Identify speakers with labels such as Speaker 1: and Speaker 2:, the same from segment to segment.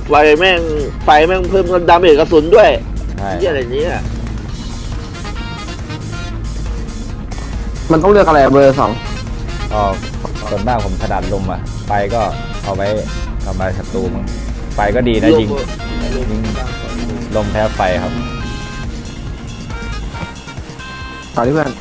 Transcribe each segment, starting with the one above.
Speaker 1: ไฟแม่งเพิ่มดาเมจกระสุนด้วย
Speaker 2: ใช่
Speaker 1: ที่อะไรนี้อ่ะ
Speaker 3: มันต้องเลือกอะไรเบอร์ 2
Speaker 2: ก็ส่วนมากผมถนัดลมอ่ะไฟก็เอาไว้ทำลายศัตรูมั้งไฟก็ดีนะยิงลมแพ้ไฟครับ
Speaker 3: ต่อที่เพื่อน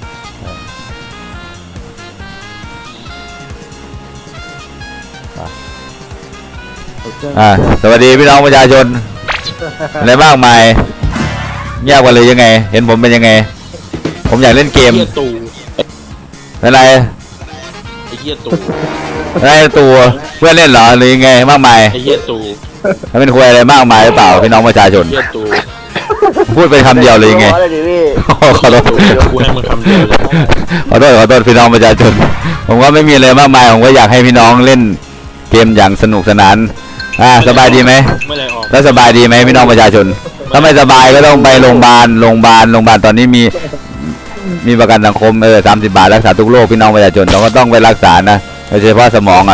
Speaker 2: สวัสดีพี่น้องประชาชนอะไรมากมายเงียบกันเลยยังไง เห็นผมเป็นยังไง ผมอยากเล่นเกม
Speaker 4: เฮียตู
Speaker 2: อะไร
Speaker 4: ไอเฮียตู
Speaker 2: อะไรตัวเพื่อนเล่นเหรอหรือยังไงมากมาย
Speaker 4: ไอเฮียตู
Speaker 2: มันเป็นคุยอะไรมากมายหรือเปล่าพี่น้องประชาชน
Speaker 4: เฮียตู
Speaker 2: พูดเป็นคำเดียวเลยยังไง
Speaker 1: ขอเลยดิพี่
Speaker 2: ขอโทษ
Speaker 4: กูให้มึงคำเดียวเลย
Speaker 2: ขอโทษพี่น้องประชาชน ผมก็ไม่มีอะไรมากมายผมก็อยากให้พี่น้องเล่นเกมอย่างสนุกสนานสบายดีไหม
Speaker 4: ไม่ไรออก
Speaker 2: แล้วสบายดีไหมพี่น้องประชาชนถ้าไม่สบายก็ต้องไปโรงพยาบาลตอนนี้มีประกันสังคม30 บาทรักษาทุกโรคพี่น้องประชาชนเราก็ต้องไปรักษานะโดยเฉพาะสมอง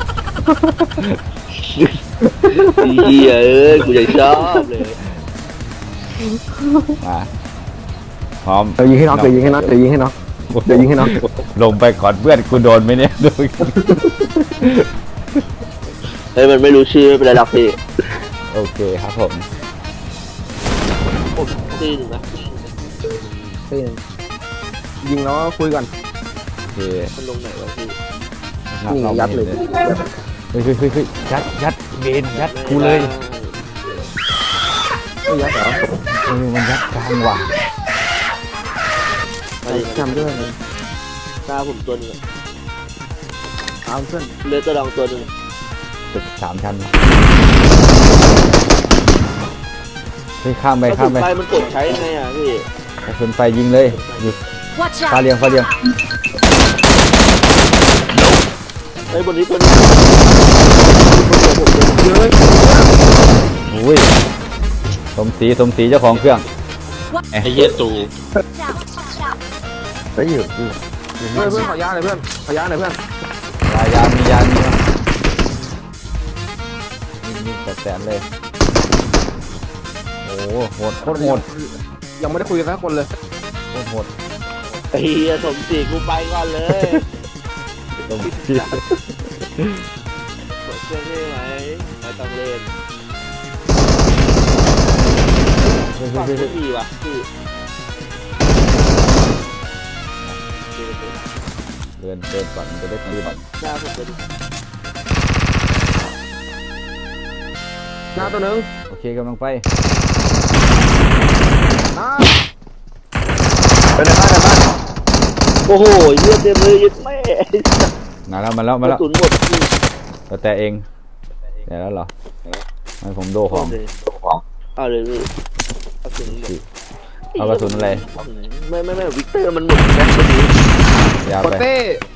Speaker 1: เฮียกูยังชอบเลย
Speaker 2: มาพร้อม
Speaker 3: เดี๋ยวยิงให้น็อก
Speaker 2: ลงไปก่อนเพื่อนกูโดนไหมเนี่ยดู
Speaker 1: เฮ้ยมันไม่รู้ชื่อไม่เป็นไรหรอกพี่
Speaker 2: โอเคครับผม
Speaker 1: ผมตีหนึ่งนะ
Speaker 3: ยิงแล้วคุยก่อน
Speaker 2: โอเค
Speaker 1: มันลงไหนวะพี่
Speaker 3: นี่ยัดเลย
Speaker 2: เฮ้ยยัดเบนยัดกูเลย
Speaker 3: ไม่ยัดเหรอ
Speaker 2: มันยัดกลางว่ะ
Speaker 1: มาดิ
Speaker 3: จำด้วยนะ
Speaker 1: หน้าผมตัวหนึง
Speaker 3: เอาเพื่อน
Speaker 1: เลือดตัวรองตัวหนึง
Speaker 2: ตึก3 ชั้นเฮ้ยข้ามไป
Speaker 1: ไฟมันกดใช้ยังไงอ่ะพี่
Speaker 2: กระสุนไฟยิงเลยหยุด
Speaker 5: Watch
Speaker 2: ฟ้า
Speaker 5: out!
Speaker 2: เรียง
Speaker 1: ไอ้บนนี้ตัวนี้
Speaker 2: อุ้ยสมศรีเจ้าของเครื่อง
Speaker 4: ไอเฮียตู
Speaker 2: เฮ้ยอยู่
Speaker 3: เพื่อนขอยาหน่อยเพื่อน
Speaker 2: ยามีมีแสนเลยโอ้โหโหดโคตรโหด
Speaker 3: ยังไม่ได้คุยกันสักคนเลย
Speaker 2: โหด
Speaker 1: ไอ้เฮียสมศรีกูไปก่อนเลย
Speaker 2: สมศรี
Speaker 1: กดเครื่องได้ไหมไม่ต้องเล่นฝั่งไม่ดีว่ะพี่
Speaker 2: เดินก่อนจะได้คืน
Speaker 1: หน้าผมจะดู
Speaker 3: หน้าตัวหนึ่ง
Speaker 2: โอเคกำลังไป
Speaker 3: หน้า
Speaker 2: ไปในบ้าน
Speaker 1: โอ้โหเลือดเต็มเลยยึดแม่
Speaker 2: มาแล้ว
Speaker 1: กระ
Speaker 2: แล้ว
Speaker 1: สุนหมดพี่
Speaker 2: แต่เองแต่แล้วเหรอให้ผมโดของ
Speaker 1: เอาเลยพี่กระสุนหมด
Speaker 2: เอากระสุนอะไร
Speaker 1: ไม่วิกเตอร์มันหมดแม็กซ์พอดี
Speaker 2: ยาว
Speaker 3: ปอ
Speaker 2: ไป
Speaker 3: เต้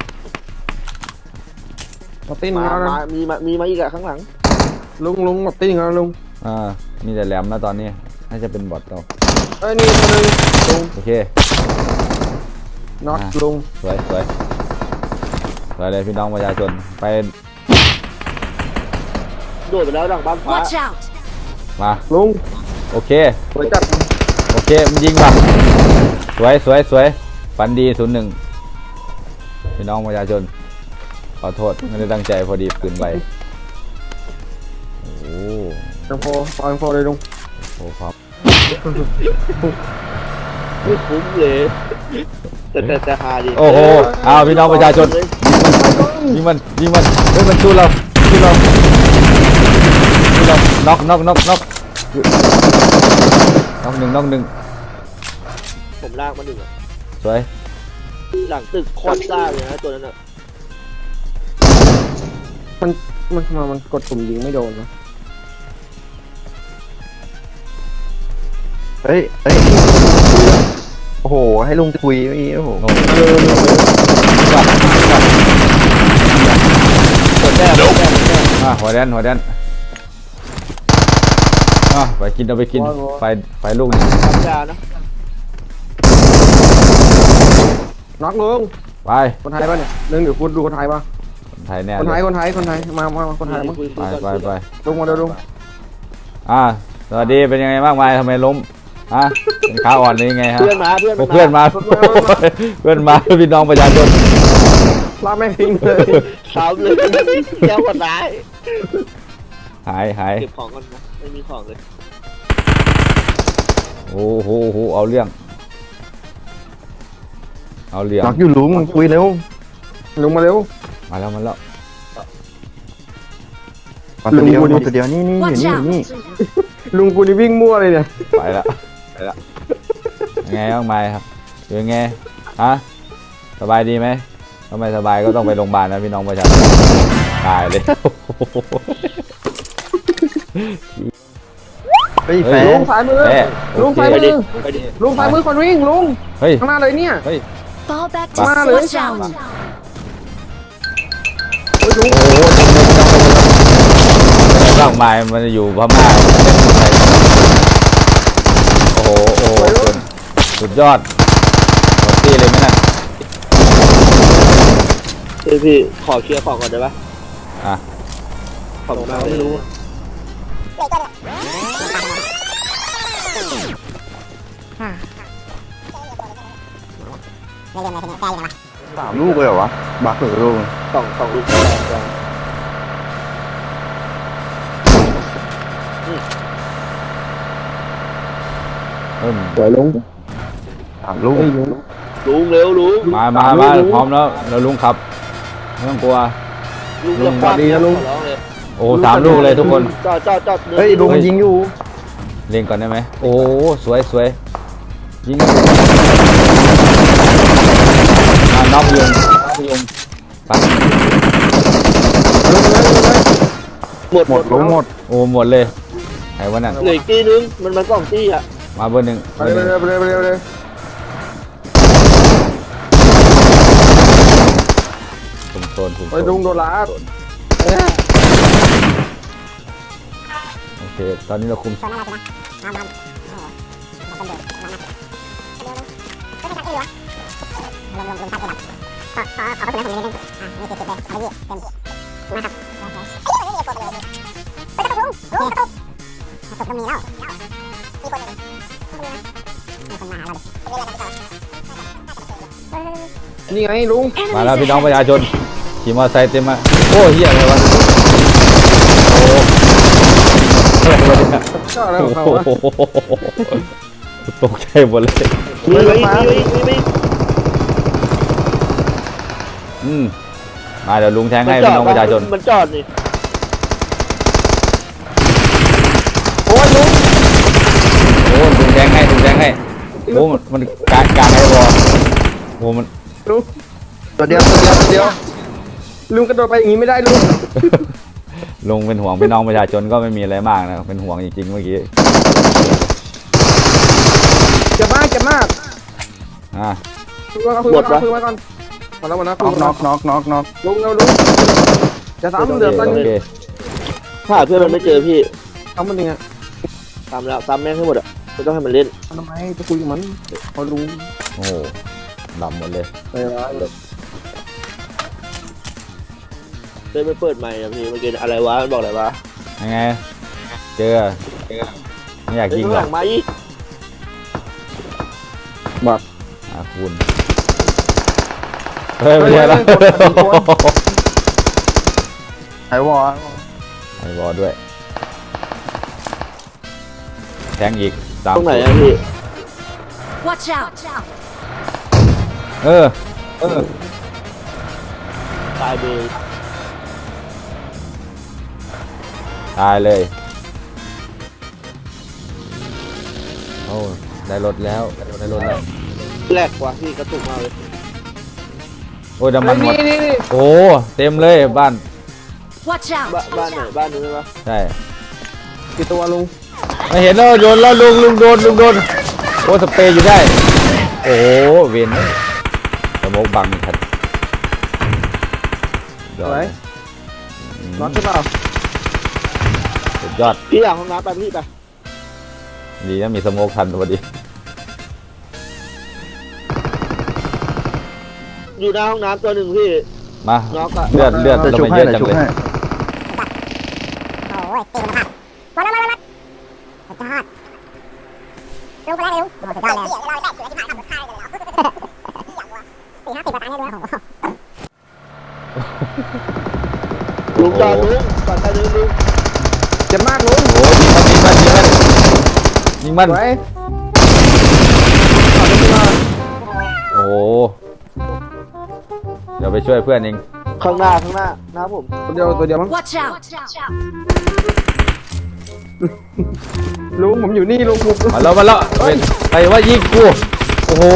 Speaker 3: ปอเต้หนึ่งแล้วนะ
Speaker 1: มีมาอีกอะข้างหลัง
Speaker 3: ลุงปอเต้หนึ่งแล้วลุง
Speaker 2: มีแต่แหลมนะตอนนี้น่าจะเป็นบอทเรา
Speaker 3: นี่ตัวหนึ่งลุง
Speaker 2: โอเค
Speaker 3: น็อตลุง
Speaker 2: สวยเลยพี่น้องประชาชนไป
Speaker 1: โดดไปแล้วดังบ้านฟ้า
Speaker 5: Watch out!
Speaker 2: มา
Speaker 3: ลุง
Speaker 2: โอเค
Speaker 3: สวยจัด
Speaker 2: โอเคมันยิงป่ะสวยฝันดี01พี่น้องประชาชนขอโทษไม่ได้ตั้งใจพอดีปืนไปโอ้
Speaker 3: จังโฟเอาจังโฟเลยลุง
Speaker 2: โหครับ
Speaker 1: ไม่คุ้มเลยแต่หาดิ
Speaker 2: โอ้โหเอาพี่น้องประชาชนยิงมันเฮ้ยมันสู้เราน็อกน็อกหนึ่ง
Speaker 1: ผมลากมาหนึ่งอะ
Speaker 2: สวย
Speaker 1: หลังตึกโคตรซ่าเลยนะตัวนั้นอะ
Speaker 3: มันทำไมมันกดปุ่มยิงไม่โดนวะ
Speaker 6: เฮ้ย โอ้โห ให้ลุงคุยไม่โอ้โห
Speaker 2: โอ้โห
Speaker 1: ตัวแรก
Speaker 2: หัวแดนไปกินเอาไปกินไฟลูกนึง
Speaker 1: ธรรมดานะ
Speaker 3: น็อกลุง
Speaker 2: ไป
Speaker 3: คนไทยป่ะเนี่ยนึงเดี๋ยวคุณดูคนไทยป่ะ
Speaker 2: คนไทยแน่
Speaker 3: คนไทยมาคนไทยมาคนไทยมั้ง
Speaker 1: คุย
Speaker 2: ไป
Speaker 3: ลุงมาเดี๋ยวลุง
Speaker 2: สวัสดีเป็นยังไงบ้างมายทำไมล้มเป็นขาอ่อนหรือยังไงฮะ
Speaker 1: เพื่อนมา
Speaker 2: เพื่อนมาพี่น้องประชาชน
Speaker 3: ลากแม่งทิ้งเลย
Speaker 1: สามเลยแก้วคนร้าย
Speaker 2: หาย
Speaker 1: เก็บของก่อนนะไม่มีของเลย
Speaker 2: โอ้โหเอาเรื่อง
Speaker 6: น็อกอยู่ลุงคุยเร็ว
Speaker 3: ลุงมาเร็ว
Speaker 2: มาแล้ว
Speaker 6: มาตัวเดียวมาตัวเดียวนี่อยู่นี่
Speaker 3: ลุงกูนี่วิ่งมั่วเลยเนี่ย
Speaker 2: ไปละยังไงบ้างมายครับอยู่ยังไงสบายดีไหมถ้าไม่สบายก็ต้องไปโรงพยาบาลนะพี่น้องประชาชนตายเลย
Speaker 6: เฮ้ยแฟ
Speaker 3: ลุ
Speaker 6: น
Speaker 3: งซ้ายมือ ลุงซ้ายมือ
Speaker 1: ไปดิ
Speaker 3: ลุงซ้ายมือคนวิ่งลุง
Speaker 2: เฮ้ย
Speaker 3: ข้างหน้าเลยเนี่ย
Speaker 5: Fall back to
Speaker 3: Wow.
Speaker 5: switch out.
Speaker 3: เฮ้ยลุง
Speaker 2: โอ้โหร่างมายมันอยู่พม่าโอ้โหสุดยอดหมดที่เลยไหมน่ะ
Speaker 1: พี่ขอเคลียร์ของก่อนได้ปะ
Speaker 2: อ่ะ
Speaker 1: ขอบคุณมากไม่รู้
Speaker 6: 3 ลูกเลยเหรอวะบักหรือลูก
Speaker 1: สองลูก
Speaker 3: สวยลุง
Speaker 6: 3 ลูก
Speaker 1: ลุงเร็วลุง
Speaker 2: มาพร้อมแล้วลุงขับไม่ต้องกลัว
Speaker 1: ลุงจะฟาดขอร้องเลย
Speaker 2: โอ้3 ลูกเลยทุกคน
Speaker 1: จอด
Speaker 6: เฮ้ยลุงยิงอยู่
Speaker 2: เล่นก่อนได้ไหมโอ้สวยยิงน็อกยุงไป
Speaker 1: หมด
Speaker 6: ลุงหมด
Speaker 2: โอ้หมดเลยไหนวะนั่น
Speaker 1: เหลืออีกตีนึงมัน2ตีอ่ะ
Speaker 2: มาเบอร์หนึ่ง
Speaker 3: ไปเลย
Speaker 2: โซน
Speaker 3: เฮ้ยลุงโดนลาด
Speaker 2: โอเคตอนนี้เราคุม
Speaker 3: นี่ไงลุง
Speaker 2: มาแล้ว
Speaker 5: Enemies
Speaker 2: พี่น้องประ
Speaker 5: ahead.
Speaker 2: ชาชนขี่มอเตอร์ไซค์เต็มมาโอ้เหี้ยอะไรวะโอ้อะไรวะเนี่ย
Speaker 3: ก็อะไรของเขาวะ
Speaker 2: โอ้โหตกใจหมดเลย
Speaker 1: มี
Speaker 2: มาเดี๋ยวลุงแทงให้พี่น้องประชาชน
Speaker 1: มันจอดนี่
Speaker 3: โอ้ยลุง
Speaker 2: โอ้ลุงแทงให้โอ้มันกลางไอ้บอโอ้มัน
Speaker 3: ลุง
Speaker 6: ตัวเดียว
Speaker 3: ลุงกระโดดไปอย่างนี้ไม่ได้ลุง
Speaker 2: ลุงเป็นห่วงพี่น้องประชาชนก็ไม่มีอะไรมากนะเป็นห่วงจริงๆเมื่อกี้
Speaker 3: เจ็บมาก
Speaker 2: อ่ะ
Speaker 3: คุยมาก่อนมาแล้ว
Speaker 6: น็อก
Speaker 3: ลุงจะซ้ำเดือดตอน
Speaker 2: โอ
Speaker 3: นี้
Speaker 2: เค
Speaker 1: ถ้าเพื่อนมันไม่เจอพี่
Speaker 3: ซ้ำมันยังไง
Speaker 1: ซ้ำแม่งให้หมดอ่ะไม่ต้องให้มันเล่น
Speaker 3: ทำไมจะคุยกับมันพอรู้
Speaker 2: โอ้โหดำหมดเลย
Speaker 3: ไปร้ายเลย
Speaker 1: เล่นไม่เปิดใหม่อะพี่เมื่อกี้อะไรวะมันบอกอะไรวะ
Speaker 2: ยังไงเจอไม่อยากยิง
Speaker 1: ข้าง
Speaker 2: ห
Speaker 1: ห
Speaker 2: ร
Speaker 1: ลั
Speaker 2: อก
Speaker 1: งมาอีก
Speaker 2: คุณเฮ้ยไม่ใช่แล้ว
Speaker 6: ไอ้วอ
Speaker 2: ไอ้บอลด้วยแทงอีก3
Speaker 1: ตรงไหนอะพี่
Speaker 5: Watch out.
Speaker 2: เออ
Speaker 1: ตายเลย
Speaker 2: ตายเลยโอ้ได้รถแล้ว
Speaker 1: แรกกว่าพี่กระตุกมากเลย
Speaker 2: โอ้ยน้ำมันหมด
Speaker 3: นี่
Speaker 2: โอ้เต็มเลยบ้าน
Speaker 5: Watch out.
Speaker 1: บ้านไหนบ้านนู้นใช่ปะ
Speaker 2: ใช่
Speaker 3: กี่ตัวลุง
Speaker 2: ไม่เห็นแล้วโดนแล้วลุงโดนโอ้สเปรย์อยู่ได้ โอ้เวนสมองบังทัน
Speaker 3: สวยน็อตใช่เปล่า
Speaker 2: สุดยอด
Speaker 1: พี่อยากห้องน้ำไปพี่ไป
Speaker 2: ดีนะมีสโมกทันพอดี
Speaker 1: อยู่หน้าห้องน้ำตัวหนึ่งพี่
Speaker 2: มา
Speaker 1: น็อกอะ
Speaker 2: เลือด
Speaker 6: จะ
Speaker 2: ทำ
Speaker 6: ชุบ
Speaker 2: ไม
Speaker 6: ให้
Speaker 2: เยอะ
Speaker 6: เดี๋ยว
Speaker 2: จัง
Speaker 6: ชุบ
Speaker 2: เลย
Speaker 6: ให้
Speaker 7: ลุงคนแรกเลยลุงโอ้สุดยอดเลยเราได้เสือที่ผ่านทำข้าวเลย4-50 ประการเลยลุง
Speaker 1: ลุงจอดลุงจอดใครลุงลุง
Speaker 3: เจ็บมากลุง
Speaker 2: โอ้ยิงมัน
Speaker 3: ไว้
Speaker 2: โอ้โหเดี๋ยวไปช่วยเพื่อนเอง
Speaker 1: ข้างหน้านะครับผม
Speaker 3: ตัวเดียวมั้ง
Speaker 5: Watch out!
Speaker 3: ลุงผมอยู่นี่ลุงผม
Speaker 2: มาแล้วเป็นใครว่ายิงกูโอ้โห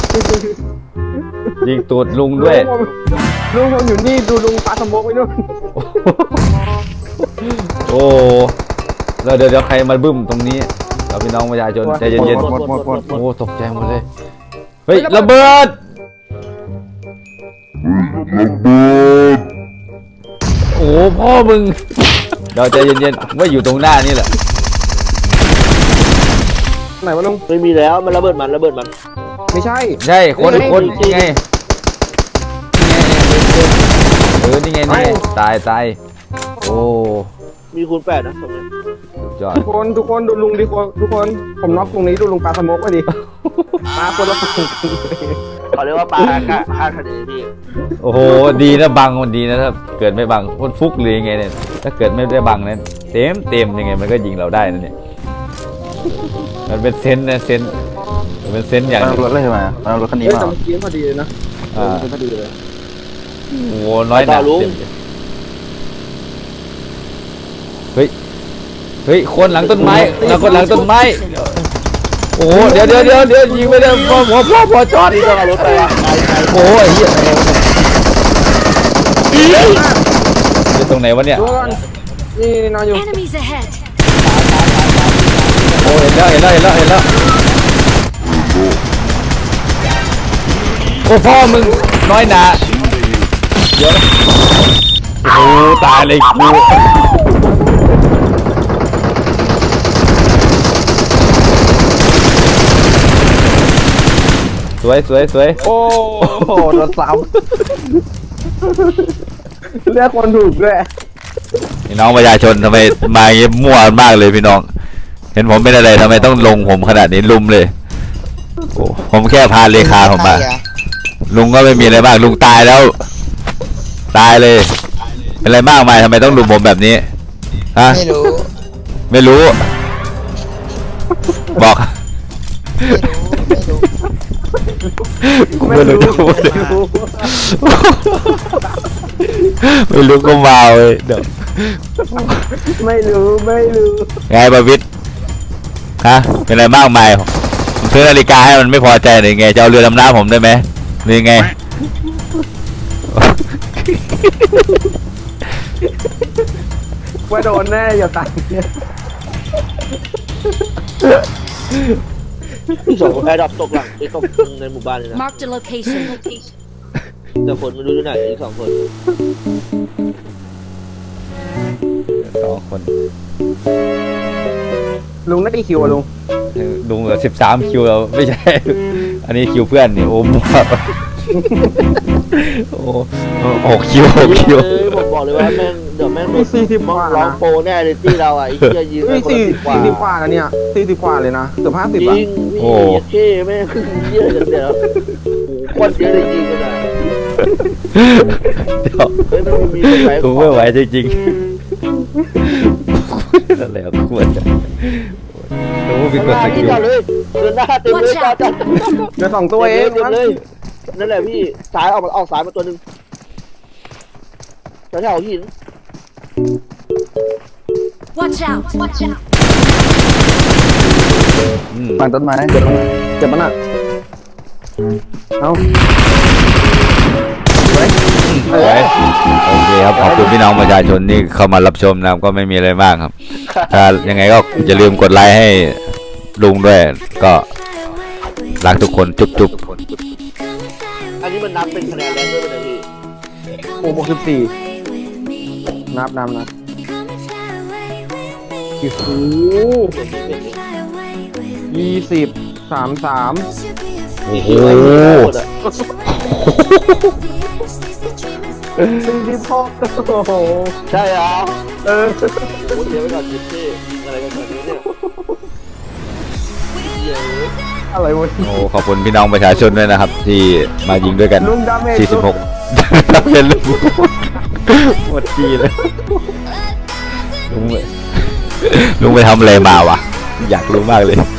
Speaker 2: ยิงตูดลุงด้วย
Speaker 3: ลุงผมอยู่นี่ดูลุงปาสมบกไปนู่น
Speaker 2: โอ้แล้วเดี๋ยวใครมาบึ้มตรงนี้เราพี่น้องประชาชนใจเย็น
Speaker 6: หมด
Speaker 2: ๆโอ้ตกใจหมดเลยเฮ้ยระเบิดโอ้พ่อมึงเราใจเย็นๆว่าอยู่ตรงหน้านี่แหละ
Speaker 3: ไหนวะลุง
Speaker 1: ไม่มีแล้วมันระเบิดมัน
Speaker 3: ไม่ใช่
Speaker 2: ใช่คนนี่ไงนี่ไงตายโอ้
Speaker 1: มีคูณ8นะตรงนี้
Speaker 2: สุดยอด
Speaker 3: ทุกคนดูลุงดิทุกคนผมน็อกตรงนี้ดูลุงปาสมบกไปดิมาคนละฝั่งกันเลย
Speaker 1: เขาเรียกว่าปลาคาดคะเนพี่
Speaker 2: โอ้โหดีนะบังมันดีนะถ้าเกิดไม่บังคนฟุกหรือยังไงเนี่ยถ้าเกิดไม่ได้บังเนี่ยเต็มยังไงมันก็ยิงเราได้นั่นเนี่ยมันเป็นเซนส์นะเซนส์มันเป็นเซนส์อย่าง
Speaker 6: มัน
Speaker 2: หนึ่ง
Speaker 6: รถเลยมามันรถคันนี้
Speaker 3: เฮ้ย
Speaker 6: มา
Speaker 3: แต่เมื่อกี้พอดีเลยนะ
Speaker 2: อ่า
Speaker 3: พอดีเลย
Speaker 2: โอ้โหน้อยหนาเต็มเฮ้ยคนหลังต้นไม้คนหลังต้นไม้โอ้โหเดี๋ยวยิงไปเลยพอจอด
Speaker 1: นี่ต้องเอารถไปอ่ะไป
Speaker 2: โอ้ยเหี้ยอยู่ตรงไหนวะเนี่ย
Speaker 3: ดูก่อนนี่นอนอยู่
Speaker 5: Enemies ahead!
Speaker 2: โอ้เห็นแล้วโอ้พ่อมึงน้อยหนาเดี๋ยวโอ้ตายเลยกูสวย
Speaker 3: โอ้โหโดนซ้ำเลือกคนถูกด้วย
Speaker 2: พี่น้องประชาชนทำไมมาเงี้ยมั่วมากเลยพี่น้อง เห็นผมเป็นอะไรทำไมต้องลงผมขนาดนี้ลุมเลยโอ้ผมแค่พาเลขาผมมาลุงก็ไม่มีอะไรมากลุงตายแล้ว ตายเลยเป็นอะไรมากมายทำไมต้องลุมผมแบบนี้ฮะไม่รู้บอกไม่รู้ก็มาเลยเดี๋ยว
Speaker 3: ไม่รู้
Speaker 2: ไงบาวิทฮะเป็นอะไรมากมายผมซื้อนาฬิกาให้มันไม่พอใจหรือไงจะเอาเรือดำน้ำผมได้ไหมหรือไง
Speaker 3: ว่าโดนแน่อย่าตาย
Speaker 1: สองแอร์ดับตกหลังไอ้ตกในหมู่บ้านเลยนะ
Speaker 5: Marked a location.
Speaker 1: แต่คนไม่รู้ที่ไหนอีก2 คน
Speaker 2: 2 คน
Speaker 3: ลุงได้กี่คิวอะลุง
Speaker 2: ลุงเหลือ13 คิวแล้วไม่ใช่ อันนี้คิวเพื่อนนี่โอ้มั่วโอ้6 คิว
Speaker 1: ผมบอกเลยว่าแม่งเดี๋ยวแม่ง
Speaker 3: มี40 กว่า
Speaker 1: ร้อง
Speaker 3: นะ
Speaker 1: โปรแน่เลยที่เราอ่ะไอ้เหี้ยยืน
Speaker 3: นี่
Speaker 1: คนละ10 กว่า
Speaker 3: 40 กว่าแล้วเนี่ย40 กว่าเลยนะเกือบ50
Speaker 1: จ
Speaker 3: อ่ะ
Speaker 1: ริงพี่เท่แม่งเหี้ยกันเดี๋ยวโอ้โหโคตรเยอะเลยยิงกันอ่ะ
Speaker 2: เดี๋ยว
Speaker 1: เฮ้ยมันมีคนไหน
Speaker 2: กูไม่ไหวจริงๆนั่นแหละควรจะรู้พี่กดสกิล
Speaker 1: จอดเลยเดินหน้าเต็มเลยจอด
Speaker 3: เดี๋ยว2 ตัวเอง
Speaker 1: เต็มเลยนั่นแหละพี่สายออกสายมาตัวหนึ่งแถวหิน
Speaker 5: Watch out!
Speaker 6: ฝั่งต้นไม้
Speaker 3: เจ็บมันอ่ะเอา
Speaker 2: สวยโอเคครับขอบคุณพี่น้องประชาชนที่เข้ามารับชมนะครับก็ไม่มีอะไรมากครับ ถ้ายังไงก็อย่าลืมกดไลค์ให้ลุงด้วย ก็รักทุกคนจุ๊บ
Speaker 1: อันนี้มันนับเป็นคะแนนแล้วด้วยนะพี่
Speaker 3: โอ้64นับโอ้โห20 33
Speaker 2: โอ้โห
Speaker 3: 46โอ้โห
Speaker 1: ใช่เหรอ
Speaker 3: เออ
Speaker 1: โอ้เดี๋ยวไปก่อนจิ๊บซี่ยิงอะไรกันแบบนี้เนี่ย
Speaker 3: อะไรวะ
Speaker 2: โอ้ขอบคุณพี่น้องประชาชนด้วยนะครับ ที่มายิงด้วยกัน
Speaker 3: ลุงดาเมจ
Speaker 2: 46เป็นลุงหมดทีเลยลุงไปทำอะไรมาวะอยากรู้มากเลย